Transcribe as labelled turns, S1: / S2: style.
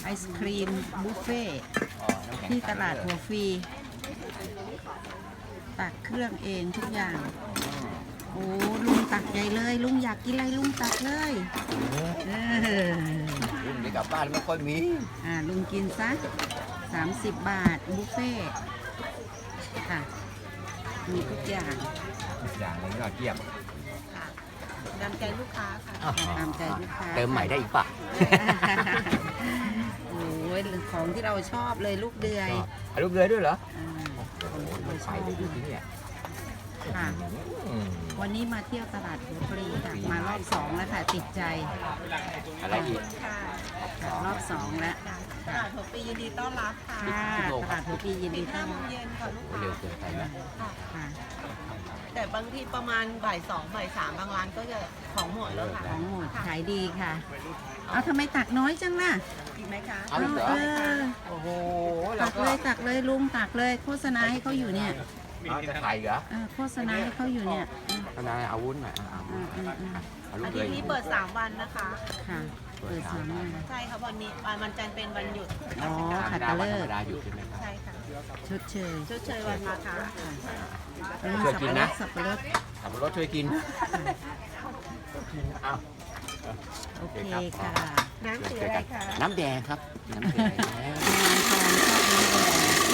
S1: ศครีมบุฟเฟ่
S2: อ๋อน้ำแข็ง
S1: ที่ตลาดหัวฟรีตักเครื่องเองทุกอย่าง โอ้ลุงตักใหญ่เลย ลุงอยากกินอะไรลุงตักเลย
S2: รุ่นนี้กลับบ้านไม่ค่อยมี
S1: ลุงกินซะ30 บาทบุฟเฟ่ค่ะ มีทุกอย่าง
S2: อย่างนี้ก็เกียบ
S3: ตามใจลูกค้าค่ะ
S1: ตามใจลูกค้า
S2: เติมใหม่ได้อีกป่ะ
S1: โอ้ยของที่เราชอบเลยลูกเดือย
S2: ลูกเรือด้วยเหรอ
S1: อ่า
S2: โอ้โหไม่ไปเลยดูที่เนี่ย
S1: ค่ะ
S2: อืม
S1: วันนี้มาเที่ยวตลาดหัวปรีค่ะมารอบ2แล้วค่ะติดใจ
S2: อะไรอีก
S3: ค่ะ
S1: ค่ะรอบ2แล้ว
S3: ตลาดหัวปียินดีต้อนรับค่ะ
S1: ค่ะตลาดหัวปรียิน
S3: ปิ
S1: ดี
S3: ด
S1: ต้อน
S3: 5 โม
S1: รับ
S3: งเย็นค่ะลูก
S2: โอ้
S3: ค้า
S2: เร็วเกินไปนะ
S1: ค่ะ
S3: แต่บางทีประมาณบ่าย 2 บ่าย 3 บางร้านก็จะของหมดแล้วค่ะ
S1: ของหมดขายดีค่ะ เอาทำไมตักน้อยจังล่ะ
S3: อีกไหมคะ
S2: เอาอีกเหรอ
S1: เออ
S2: โอ้โหเรา
S1: ตัก
S2: ก็
S1: เลยตักเลยลุงตักเลยโฆษณาให้เขาอยู่เนี่ย
S2: เอาจะไข่เหรอ
S1: โฆษณาให้เขาอยู่เนี่ย
S2: ทนายอาวุธหน่อยเอาลู
S3: อาก
S2: เล
S3: ทิต
S2: ย
S3: ย์นี้เปิด 3 วันนะคะ
S1: ค่ะเปิดสามวัน
S3: ใช่ค่ะวันนี้วันจันทร์เป็นวันหยุด
S1: อ๋อ
S2: ธรรมดาวันธรรมดาอยู่ใช่ไหมครับ
S3: ใช่ค่ะ
S1: ชดเชย
S3: ชดเชยวันมาค่ะ
S1: แล้วมี
S2: ช่วยกินนะ
S1: สับปะรด
S2: ขับรถช่วยกินเอา
S1: โอเคค่ะ
S3: น้ำสีอะไรคะ
S2: น้ำแดงครับ น้ำแดง
S1: งานทองชอบน้ำแดง